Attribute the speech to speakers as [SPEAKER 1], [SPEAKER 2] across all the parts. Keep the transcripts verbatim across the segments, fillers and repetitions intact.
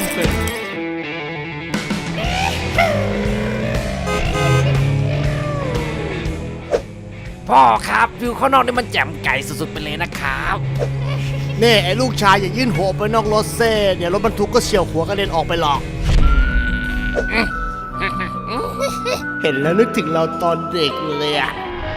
[SPEAKER 1] เป็นพ่อครับวิวข้างนอกนี่มันแจ่มไก่สุดๆไปเลยนะครับ
[SPEAKER 2] นี่ไอ้ลูกชายอย่ายื่นหัวไปนอกรถเซ่เดี๋ยวรถบรรทุกก็เฉี่ยวหัวกระเด็นออกไปหรอกเห็นแล้วนึกถึงเราตอนเด็กเลยอะ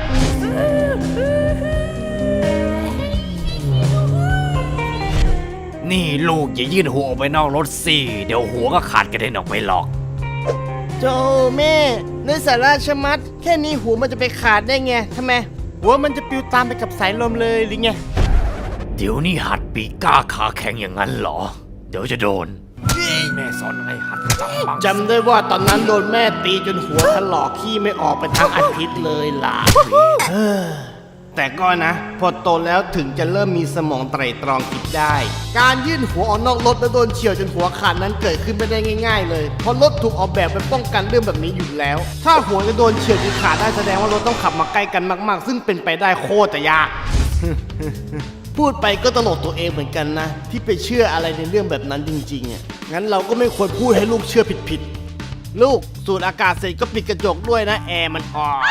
[SPEAKER 1] นี่ลูกอย่ายื่นหัวออกไปนอกรถสิเดี๋ยวหัวก็ขาดกระเด็นออกไปหรอก
[SPEAKER 2] โจแม่ในสาราชะมัดแค่นี้หัวมันจะไปขาดได้ไงทำไมหัวมันจะปลิวตามไปกับสายลมเลยหรือไง
[SPEAKER 1] เดี๋ยวนี้หัดปีกล้าขาแข็งอย่างนั้นเหรอเดี๋ยวจะโดนแม่สอนให้หัดจับบัง
[SPEAKER 2] จำได้ว่าตอนนั้นโดนแม่ตีจนหัวถลอกขี้ไม่ออกไปทั้งอาทิตย์เลยล่ะแต่ก็นะพอโตแล้วถึงจะเริ่มมีสมองไตร่ตรองคิดได้การยื่นหัวออกนอกรถแล้วโดนเฉี่ยวจนหัวขาดนั้นเกิดขึ้นไม่ได้ง่ายๆเลยเพราะรถถูกออกแบบไปป้องกันเรื่องแบบนี้อยู่แล้วถ้าหัวจะโดนเฉี่ยวจนขาดได้แสดงว่ารถต้องขับมาใกล้กันมากๆซึ่งเป็นไปได้โคตรจะยากพูดไปก็ตลกตัวเองเหมือนกันนะที่ไปเชื่ออะไรในเรื่องแบบนั้นจริงๆอ่ะงั้นเราก็ไม่ควรพูดให้ลูกเชื่อผิดๆลูกสูดอากาศเสร็จก็ปิดกระจกด้วยนะแอร์มันออก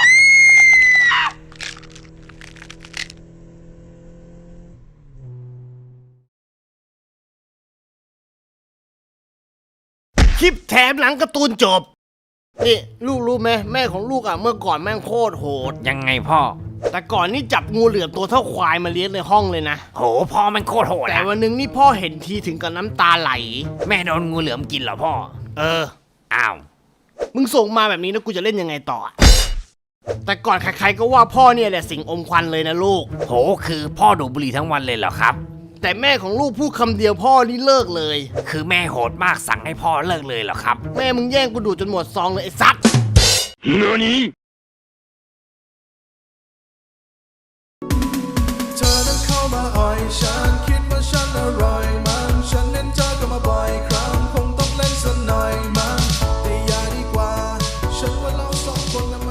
[SPEAKER 2] คลิปแถมหลังการ์ตูนจบนี่ลูกรู้ไหมแม่ของลูกอ่ะเมื่อก่อนแม่งโคตรโหด
[SPEAKER 1] ยังไงพ่อ
[SPEAKER 2] แต่ก่อนนี่จับงูเหลือมตัวเท่าควายมาเลี้ยงในห้องเลยนะ
[SPEAKER 1] โหพ่อมันโคตรโหด
[SPEAKER 2] แต่วันนึงนี่พ่อเห็นทีถึงกับน้ำตาไหล
[SPEAKER 1] แม่โดนงูเหลือมกินเหรอพ่อ
[SPEAKER 2] เออ
[SPEAKER 1] อ้าว
[SPEAKER 2] มึงส่งมาแบบนี้แล้วกูจะเล่นยังไงต่อแต่ก่อนใครๆก็ว่าพ่อเนี่ยแหละสิ่งอมควันเลยนะลูก
[SPEAKER 1] โหคือพ่อดูดบุหรี่ทั้งวันเลยเหรอครับ
[SPEAKER 2] แต่แม่ของลูกพูดคำเดียวพ่อนี่เลิกเลย
[SPEAKER 1] คือแม่โหดมากสั่งให้พ่อเลิกเลยเหรอครับ
[SPEAKER 2] แม่มึงแย่งกูดูดจนหมดซองเลยไอ้สัตว์
[SPEAKER 3] เธอนั้นเข้ามาอ่อยฉันคิดว่าฉันอร่อยมันฉันเน้นเธอก็มาบ่อยครั้งคงต้องเล่นสักหน่อยมันแต่อย่าดีกว่าฉันว่าเราสองคน